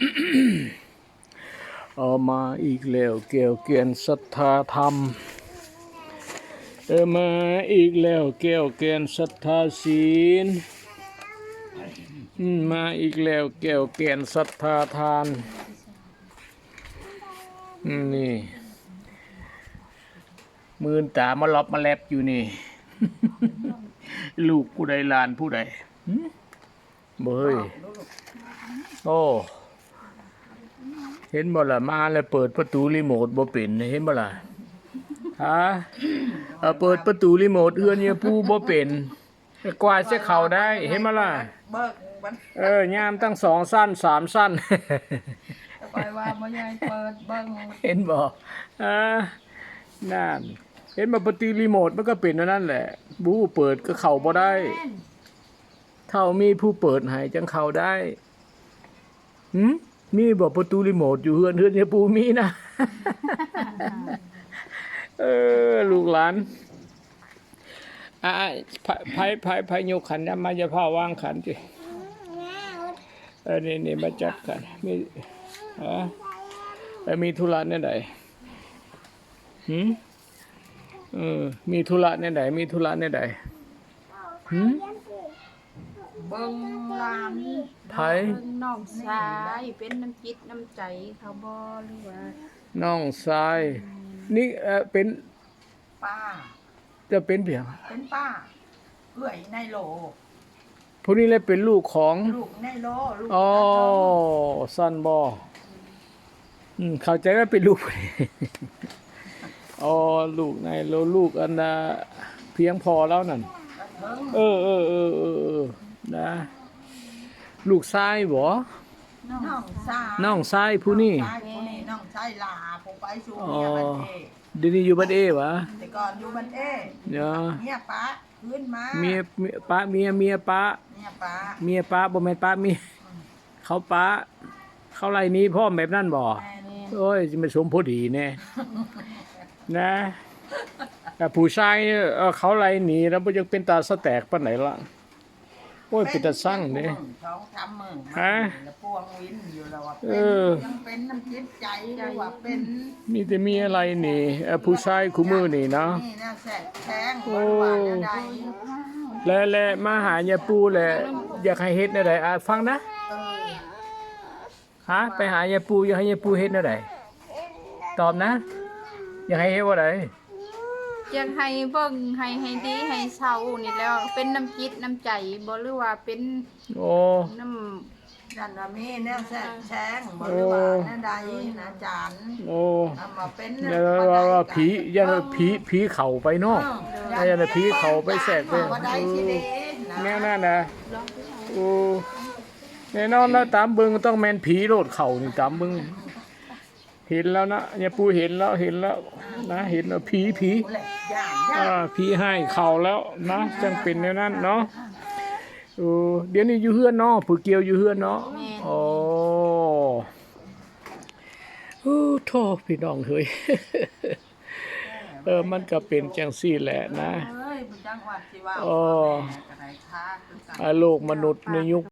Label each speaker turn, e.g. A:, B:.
A: เอามาอีกแล้วแก้วแกนศรัทธาธรรมมาอีกแล้วแก้วแกนศรัทธาศีลมาอีกแล้วแก้วแกนศรัทธาทานนี่มือตามาล็อบมาแลบอยู่นี่ ลูกผู้ใดหลานผู้ใดเบยโอ้เห็นบ่ล่ะมาแล้วเปิดประตูรีโมทบ่เป็นเห็นบ่ล่ะฮะเปิดประตูรีโมทเอื้อนเนี่ยผู้บ่เป็นกวาดเสียเข่าได้เห็นบ่ล่ะยามตั้ง2 สั้น3 สั้น
B: ไปว่าบ่ยายเปิดเบิ่ง
A: เห็นบ่นั่นเห็นบ่ประตูรีโมทมันก็เป็นนั่นแหละบู้เปิดก็เข้าบ่ได้เท่ามีผู้เปิดให้จังเข้าได้มีบอกประตูรีโมทอยู่เฮือนเนี่ยปูมีนะ ลูกหลานไผยกขันนะมาจะพ่อวางขันจินี่มาจัดกันมีธุระเนี่ยไหนมีธุระเนี่ยไหนมีธุระเนี่ยไหน
B: เบิ่งลาน
A: ไผ
B: น้องชายเป็นน้ำจิตน้ำใจเขาบ่หรือว่า
A: น้องชายนี่เป็น
B: ป้า
A: จะเป็นเพียง
B: เป็นป้าเอื้อยในโล
A: ผู้นี้เลยเป็นลูกของ
B: ลูกในโลลูก
A: อ๋อสั้นบ่เข้าใจว่าเป็นลูกอ๋อลูกในโลลูกอันเพียงพอแล้วนั่นนะลูกชายบ่น้องชายผู้นี้
B: น้องชายลาผมไปสู่เมียบ้านเอ
A: เดี๋ยวนี้อยู่บ้านเอวะ
B: แต่ก่อนอยู่บ้านเอเมียป้าขึ้นมา
A: เมียป้าเมียป้าบ่แม่นป้าเมียเขาป้าเขาไล่นี้พ่อแบบนั้นบ่โอ้ยสิมาสมพอดีแน่นะแต่ผู้ชายเขาไล่หนีแล้วบ่ยังเป็นตาสแตกปานไหนล่ะโอ้ยเป็นตาสั่งเด้
B: ฮะพวงวินอยู่แล้วว่ายังเป็นน้ำจิตใจหรือว่าเป็น
A: มีแต่มีอะไรนี่ผู้ชายคู่มือนี่เนาะ
B: นี่น่าแสบแทงว่าใด
A: และมาหายาปูแหละอยากให้เฮ็ดแนวใดฟังนะฮะไปหายาปูอยากให้ยาปูเฮ็ดแนวใดตอบนะอยากให้เฮ็ดว่าใด
B: อยากให้เบิ่งให้ดีให้เศร้านี่แล้วเป็นน้ำจิตน้ำใจบ่หรือว่าเป็นน้ำดันว่ามีแนวแสงบ่หรือว่าแนวใดนะอาจารย์มาเป็น
A: ว่าผียันผีเข้าไปเนาะยันผีเข้าไปแทรกไปแน่นั่นนะแน่นอนแล้วตามเบิ่งต้องแม่นผีโลดเข้านี่ตามเบิ่งเห็นแล้วนะเนี่ยปูเห็นแล้วนะเห็นแล้วผีให้เข่าแล้วนะจังเป็นแนวนั้นเนาะเดี๋ยวนี้อยู่เฮือนเนาะผู้เกี่ยวอยู่เฮือนเนาะโทษพี่น้องเฮ้ยมันก็เป็นจังซี่แหละนะโลกมนุษย์ในยุค